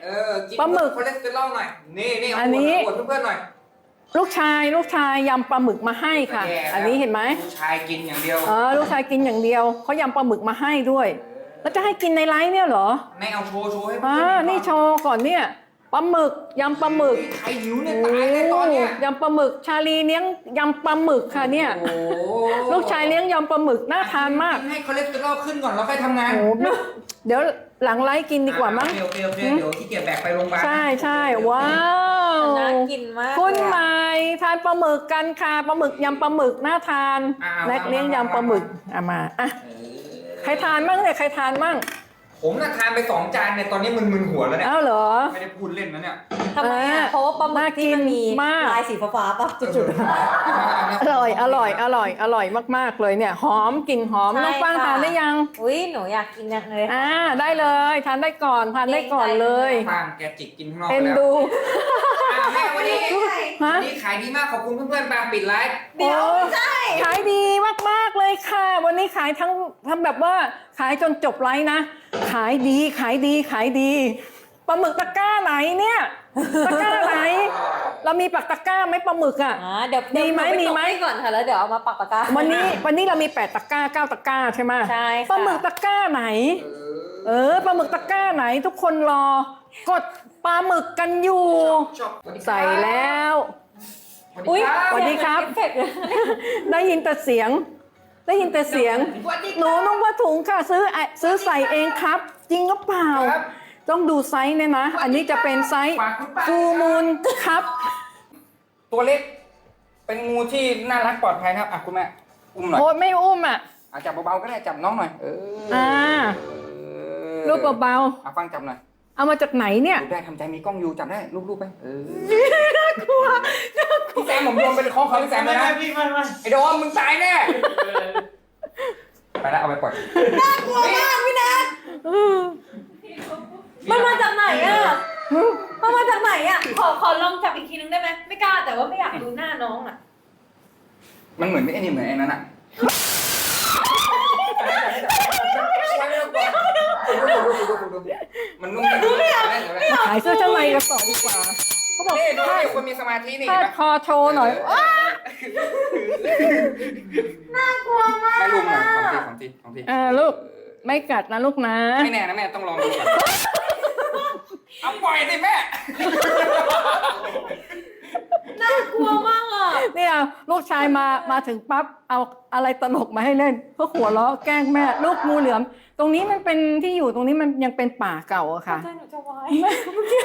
กินปลาหมึกคอเลสเตอรอลหน่อยนี่อันนี้อวดเพื่อนๆหน่อยลูกชายยำปลาหมึกมาให้ค่ะแย่แล้วอันนี้เห็นไหมลูกชายกินอย่างเดียวลูกชายกินอย่างเดียวเขายำปลาหมึกมาให้ด้วยแล้วจะให้กินในไลฟ์เนี่ยเหรอไม่เอาโชว์ให้เพื่อนๆนี่โชว์ก่อนเนี่ยปลาหมึกยำปลาหมึกใครหิวเนี่ยตายเลยตอนเนี้ยยำปลาหมึกชาลีเลี้ยงยำปลาหมึกค่ะเนี่ยโอ้โหลูกชายเลี้ยงยำปลาหมึกน่าทานมากให้คอเลสเตอรอลขึ้นก่อนแล้วค่อยทำงานโอ้ไม่เดี๋ยวหลังไลฟ์กินดีกว่ามั้งเดี๋ยวขี้เกียจแบกไปโรงพยาบาลใช่ว้าวน่ากินมากคุณใหม่ทานปลาหมึกกันค่ะปลาหมึกยำปลาหมึกน่าทานแน็กเลี้ยงยำปลาหมึกมาใครทานมั่งเนี่ยใครทานมั่งผมน่ะทานไป2 จานเนี่ยตอนนี้มึนหัวแล้วเนี่ยอ้าวเหรอไม่ได้พูดเล่นนะเนี่ยทำไมอ่ะเพราะว่าปลาหมึกที่มันมีมากลายสีฟ้าๆป่ะจุดอร่อยมากๆเลยเนี่ยหอมกลิ่นหอมใช่น้องฟังค่ะทานได้ยังๆอุ้ยหนูอยากกินจังเลยค่ะได้เลยทานได้ก่อนเลยฟางแกจิกกินข้างนอกเอ็นแล้วดูแม่วันนี้ฮะวันนี้ขายดีมากขอบคุณเพื่อนๆปางปิดไลฟ์เดี๋ยวโอ้ใช่ขายดีมากๆเลยค่ะ วันนี้ขายทั้งทำแบบว่าขายจนจบไลฟ์นะ ขายดีปลาหมึกตะกร้าไหนเนี่ยตะกร้าไหน เรามีปักตะกร้าไหมปลาหมึกอ่ะเดี๋ยวมีไหมหนูปมีไหมตกให้ก่อนค่ะแล้วเดี๋ยวเอามาปักปากกาวันนี้เรามี8 ตะกร้า 9 ตะกร้าใช่ไหมใช่ค่ะปลาหมึกตะกร้าไหน ปลาหมึกตะกร้าไหนทุกคนรอกดปลาหมึกกันอยู่ชอบใส่แล้วอุ๊ยสวัสดีครับเสียงเหมือนเอฟเฟกต์เลยได้ยแต่เสียง หนูนุ่งผ้าถุงค่ะซื้อใส่เองครับ จริงหรือเปล่าครับต้องดูไซส์เนี่ยนะ อันนี้จะเป็นไซส์ฝากคุณป้าฟูมูลครับตัวเล็ก เป็นงูที่น่ารักปลอดภัยนะครับคุณแม่อุ้มหน่อยโอ้ยไม่อุ้มอ่ะจับเบาๆก็ได้จับน้องหน่อยรูปเบาฟังจับหน่อยๆเอามาจากไหนเนี่ยดูได้ทำใจมีกล้องอยู่จับได้รูปๆไปน่ากลัวพี่แซมผมโยนเป็นของเขาพี่แซมเลยนะพี่ไม่ไอ้โดมมึงตายแน่ไปแล้วเอาไปปล่อยน่ากลัวมากพี่นัทมันมาจากไหนอ่ะมันมาจากไหนอ่ะขอลองจับอีกทีนึงได้ไหมไม่กล้าแต่ว่าไม่อยากดูหน้าน้องอ่ะมันเหมือนไอ้นี่เหมือนไอ้นั้นอ่ะมันนุ่มขายเสื้อชั้นในกันต่อดีกว่า เขาบอกนี่ดูดิคนมีสมาธินี่พาดคอโชว์หน่อยน่ากลัวมากแม่ลุงหน่อยของทีลูกไม่กัดนะลูกนะไม่แน่นะแม่ต้องลองดูก่อนเอาปล่อยสิแม่น่ากลัวมากอ่ะเนี่ยลูกชายมาถึงปั๊บเอาอะไรตลกมาให้เล่นเพื่อหัวเราะแกล้งแม่ลูกงูเหลือม ตรงนี้มันเป็นที่อยู่ตรงนี้มันยังเป็นป่าเก่าอะค่ะใจหนูจะวาย